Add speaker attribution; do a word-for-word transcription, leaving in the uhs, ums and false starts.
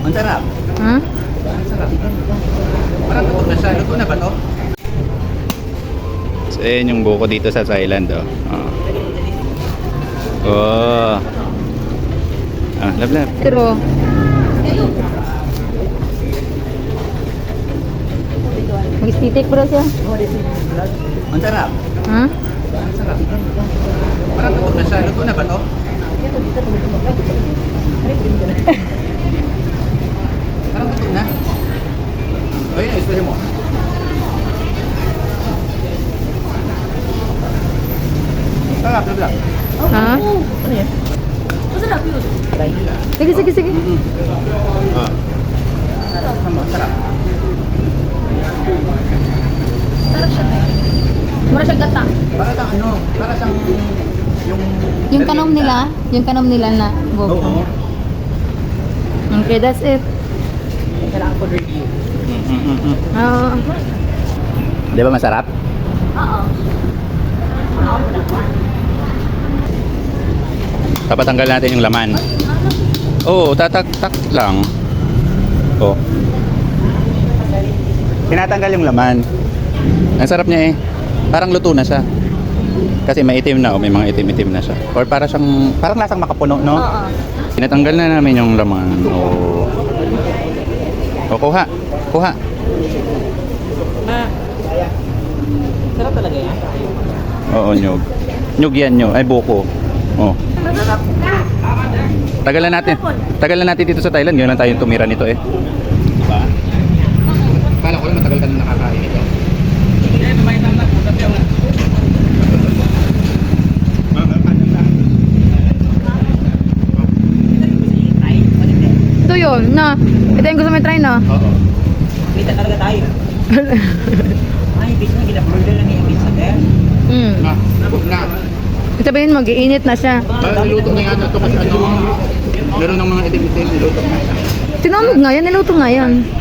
Speaker 1: Ang sarap.
Speaker 2: Ha?
Speaker 1: Ang sarap. Parang tutok na siya. Luto na ba to?
Speaker 3: So, ayan yung buko dito sa Thailand, oh. Oh. Oh. Ah, lablab.
Speaker 2: Pero, mag-stitik bro siya.
Speaker 1: Ang sarap.
Speaker 2: Ha?
Speaker 1: Ang sarap. Parang tutok na siya. Luto na ba to? Parang tutok na. O yun, ispahin mo. Sarap, sarap.
Speaker 2: Ha?
Speaker 1: Ano yan?
Speaker 4: Masarap yun.
Speaker 2: Sige, sige, sige.
Speaker 1: Ah. Sarap. Sarap.
Speaker 4: Sarap siya. Mura siya gata.
Speaker 1: Para siyang ano, para siyang yung...
Speaker 2: Yung kanom nila, yung kanom nila na
Speaker 1: Oo.
Speaker 2: buko. Okay, that's it.
Speaker 1: Kailangan ko review.
Speaker 3: Mm-mm-mm.
Speaker 2: Oo.
Speaker 3: Di ba masarap?
Speaker 4: Oo.
Speaker 3: Papatanggal natin yung laman. Oo, tatak-tak lang. Oh. Tinatanggal yung laman. Ang sarap niya eh. Parang luto na siya. Kasi may itim na, oh, may mga itim-itim na siya. Or para siyang, parang lasang makapuno, no?
Speaker 4: Oo.
Speaker 3: Tinatanggal na namin yung laman. Oh. Oh, kuha. Kuha.
Speaker 1: Sarap talaga yan.
Speaker 3: Oo, nyug. Nyug yan, nyug. Ay, buko. Oh. Tagalan natin. Tagalan natin dito sa Thailand. Ngayon lang tayo tumira nito eh. Diba? Kala ko lang matagal ka na nakakain ito.
Speaker 2: Ito yun, na. Ito yung gusto mo try na.
Speaker 3: Oo.
Speaker 1: Kita talaga tayo. Ay, bis na gina-burger lang yung pizza there.
Speaker 2: Hmm.
Speaker 3: Na, na.
Speaker 2: Sabihin mo, giinit na siya.
Speaker 3: Parang niluto na yata ito kasi ano, meron ng mga itim-itim niluto na.
Speaker 2: Tinamog nga yan, niluto nga yan.